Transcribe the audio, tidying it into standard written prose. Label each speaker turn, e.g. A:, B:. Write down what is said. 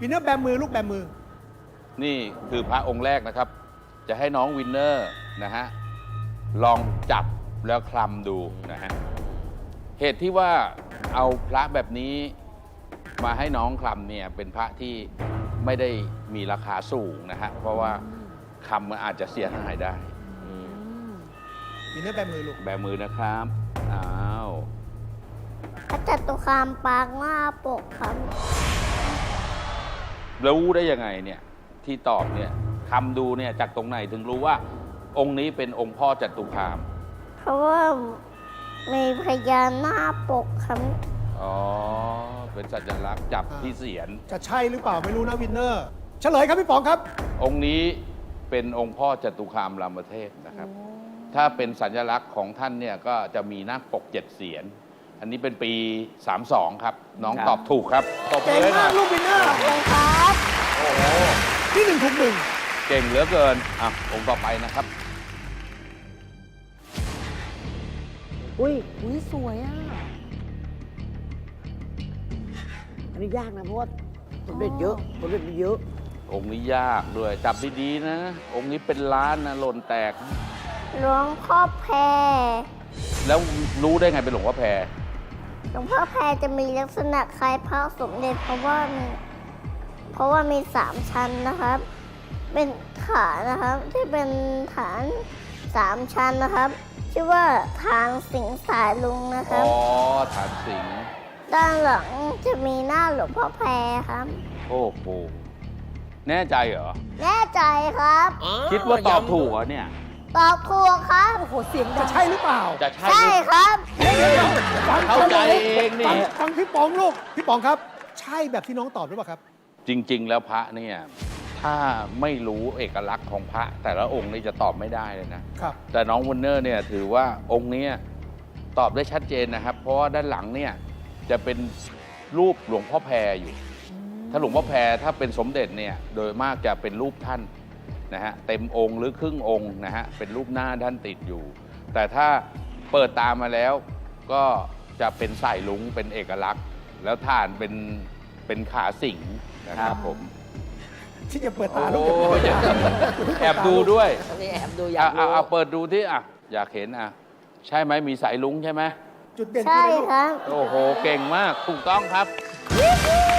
A: วินเนอร์แบมือลูกแบมือ
B: นี่คือพระองค์แรกนะครับ จะให้น้องวินเนอร์นะฮะลองจับแล้วคลำดูนะฮะเหตุที่ว่าเอาพระแบบนี้มาให้น้องคลำเนี่ยเป็นพระที่ไม่ได้มีราคาสูงนะฮะเพราะว่าคำมันอาจจะเสียหายได้
A: วินเนอร์แบมือลูก
B: แบมือนะครับอ้าว
C: พระจตุคามปางหน้าปกครับ
B: รู้ได้ยังไงเนี่ยที่ตอบเนี่ยคำดูเนี่ยจากตรงไหนถึงรู้ว่า องค์นี้เป็นองค์พ่อจตุคาม
C: เพราะว่ามีพญานาคปกครับ
B: อ๋อ เป็นสัญลักษณ์จับที่เสียน
A: จะใช่หรือเปล่าไม่รู้นะวินเนอร์เฉลยครับพี่ป๋องครับ
B: องค์นี้เป็นองค์พ่อจตุคามรามเทพนะครับ ถ้าเป็นสัญลักษณ์ของท่านเนี่ยก็จะมีนาคปก7 เสียน อันนี้เป็นปี 32 ครับ น้องตอบถูกครับตบ
A: เก่ง
B: เลย
A: มา
B: นะ
A: กลูกวินเนอร์
C: ขอบคุณครับ
B: โอ้โห
A: ที่1ถูก1
B: เก่งเหลือเกิน อ่ะ องค์ต่อไปนะครับ
D: อุ้ยสวยอ่ะ อันนี้ยากนะเพราะว่าสมเด็จเยอะสมเด็จมีเยอะ
B: องค์นี้ยากด้วย จับดีๆนะ องค์นี้เป็นล้านนะหล่นแตก
C: หลวงพ่อแพร
B: แล้วรู้ได้ไงเป็นหลวงพ่อแพร
C: หลวงพ่อแพรจะมีลักษณะคล้ายพระสมเด็จเพราะว่ามี3 ชั้นนะครับ เป็นฐานนะครับที่เป็นฐาน3 ชั้นนะครับ ชื่อว่าทางสิงสายลุงนะค
B: อ๋
C: รับ
B: อ ฐานสิงห์
C: ด้านหลังจะมีหน้าหลวงพ่อแพรครับ
B: โอ้โห แน่ใจเหรอ
C: แน่ใจครับ
B: คิดว่าตอบถูกเหรอเนี่ย
C: ตอบถูกครับ
D: โอ้โห เสียงดั
A: จะ
D: ง
A: ใช่หรือเปล่า
B: จะใช่
C: ใช่
B: หรือ
C: ครับ
A: ฟัง
B: เข้าใจเองนี่
A: ฟังพี่ป๋องลูกพี่ป๋องครับ ใช่แบบที่น้องตอบหรือเปล่าครับ
B: จริง ๆ แล้วพระเนี่ย ถ้าไม่รู้เอกลักษณ์ของพระ แต่ละองค์นี่จะตอบไม่ได้เลยนะ
A: ครับ
B: แต่น้องวินเนอร์เนี่ยถือว่าองค์เนี้ยตอบได้ชัดเจนนะครับ เพราะว่าด้านหลังเนี่ยจะเป็นรูปหลวงพ่อแพรอยู่ ถ้าหลวงพ่อแพรถ้าเป็นสมเด็จเนี่ยโดยมากจะเป็นรูปท่านนะฮะเต็มองค์หรือครึ่งองค์นะฮะเป็นรูปหน้าท่านติดอยู่ แต่ถ้าเปิดตามมาแล้วก็จะเป็นสายลุงเป็นเอกลักษณ์ แล้วฐานเป็นขาสิงห์นะครับผม
A: ที่จะเปิดตาลู
B: โอ้
A: ก
B: ยแอบดูด้วย
D: นี่แอบดูอยากดู
B: เอาเปิดดูที่อ่ะอยากเห็นอ่ะใช่ไหมมีสายลุงใช่ไหม
A: จุดเด่น
C: ใช่
A: คืออะไรลูก
C: ครับ
B: โอ้โห เก่งมาก ถูกต้องครับ